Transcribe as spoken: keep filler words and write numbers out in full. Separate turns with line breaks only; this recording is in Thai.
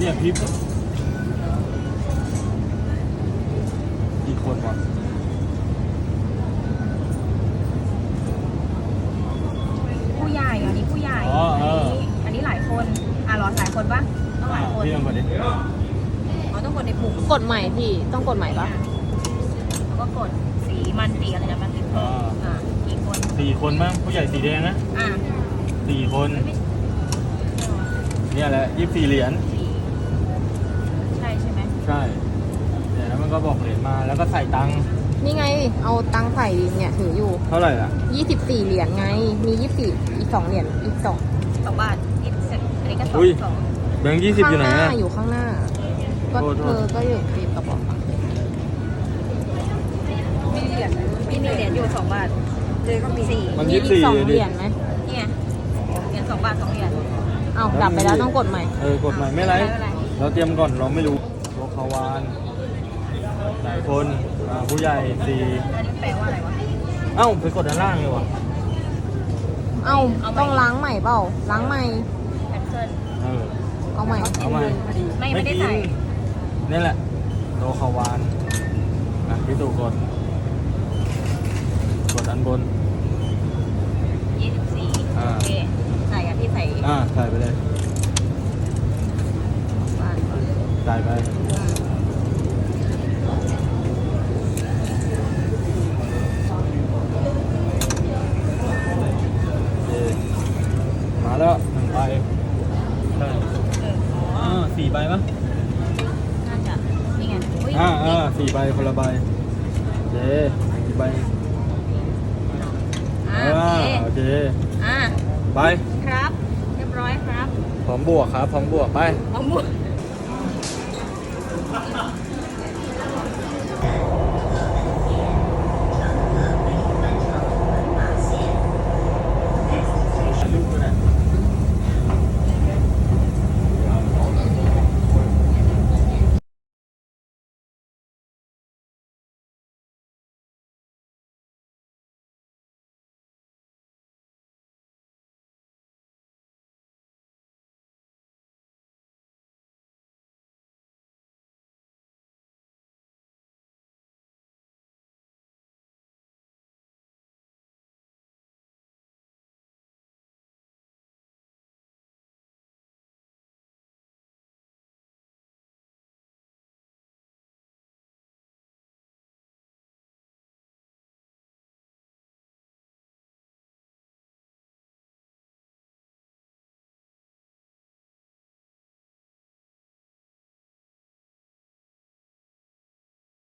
เนี่ยพี่กี่คนวะ
ผู้ใหญ่อันนี้ผู้ใหญ่อันนี้อันนี้หลายคนอ่ะหรอหลายคนปะต้องหลายคน
พี่ลองกดดิ
อ๋อต้องกดในปุ่ม
กดใหม่พี่ต้องกดใหม่ปะ
แล้วก็กดสีมันสีอะไรนะมันสีอ่ากี่คน
สี่คนมั้งผู้ใหญ่สีแดงนะ
อ่า
สี่คนเนี่ยแหละยี่สิบสี่เหรียญ
สี่ใช่ใช่ไหม
ใช่เนี่ยแล้วมันก็บอกเหรียญมาแล้วก็ใส่ตังค์
นี่ไงเอาตังค์ใส่ดิเนี่ยถืออยู่
เท่าไหร่ล่ะ
ยี่สิบสี่เหรียญไงมียี่สิบสี่อีกสองเหรียญอีกสอง
สองบาทยี่สิบอันนี้ก็สอง
อุ้ย
สอง
แบงค์ยี่สิบอยู่ไหน
ข้างหน้า
อะ
อยู่ข้างหน้าก็
โทษโท
เธ
ษ
อก็อยู่ติดกระบอก
มีเหรียญมีเหรียญอยู่สองบาทเลยก็มีสี่
มัน
มี
ยี่สิบ
อีก
สี่
สอง
ดิ
เหรียญไหม
นี่ไงเหรียญสองบาทสองเหรียญ
เอาดับไปแล้วต้องกดใหม่
เออกดใหม่ไม่ไรเราเตรียมก่อนเราไม่รู้โลคาวานหลายคนอ่าผู้ใหญ่สี่
อันนี้แปลว่าอะไรวะ
เอ้าไปกดด้านล่างเลยวะ
เอา
เอาใหม่
ต้องล้างใหม่เปล่าล้างใหม่
แคนเซิล
เออ
เอาใหม่
เอาใหม่
ไม่ไม่ได้ใส่
นี่แหละโลคาวานอ่ะพี่ตู่กดกดอันบน
ยี่สิบสี่
อ่า
โอเคใส่อะพี่ใส่
อ่าใส่ไปเลย
บาทก่อน
ใส่ไป
อืม
โอเคมาแล้วหนึ่งใบใช่
เอออ๋อ
อ่าสี่ใบปะ
น่าจะนี่ไงอุ้ย
อ่าอ่าสี่ใบคนละใบโอเคสี่ใบ
อ่า
อ่า
โอเค
โอเค
อ่า
ไป
ครับ เรียบร้อยครับ
พร้อมบวกครับพร้อมบวกไป
เอาหมด